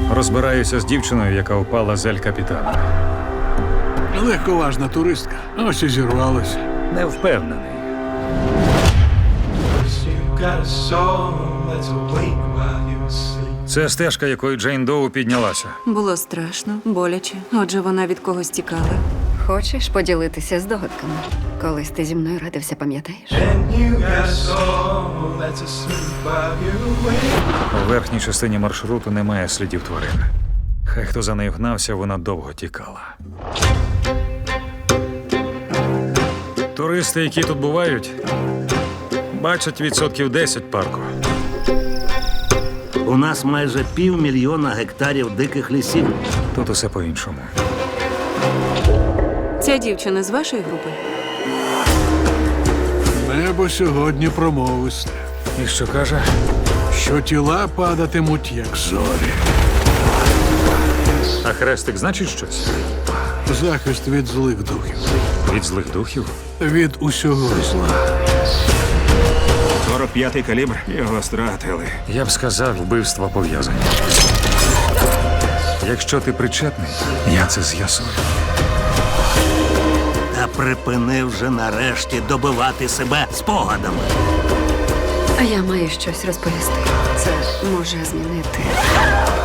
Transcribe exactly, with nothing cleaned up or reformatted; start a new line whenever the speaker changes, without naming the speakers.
Розбираюся з дівчиною, яка впала з Ель-Капітана.
Легковажна туристка. Ось і зірвалася.
Не впевнений.
You got a soul that's awake while you sleep.
Це стежка, якою Джейн Доу піднялася.
Було страшно, боляче. Отже, вона від когось тікала.
Хочеш поділитися здогадками? Колись ти зі мною радився, пам'ятаєш?
And you got a soul that's asleep while you wake.
У верхній частині маршруту немає слідів тварин. Хай хто за нею гнався, вона довго тікала. Туристи, які тут бувають, бачать відсотків десять парку.
У нас майже півмільйона гектарів диких лісів.
Тут усе по-іншому.
Ця дівчина з вашої групи?
Небо сьогодні промовисте,
І що каже?
що тіла падатимуть, як зорі.
А хрестик значить щось?
Захист від злих духів,
Від злих духів?
від усього зла.
сорок п'ятий калібр, його стратили.
Я б сказав, вбивства пов'язані. Якщо ти причетний, я це з'ясую.
Та припини вже нарешті добивати себе спогадами.
А я маю щось розповісти. Це може змінити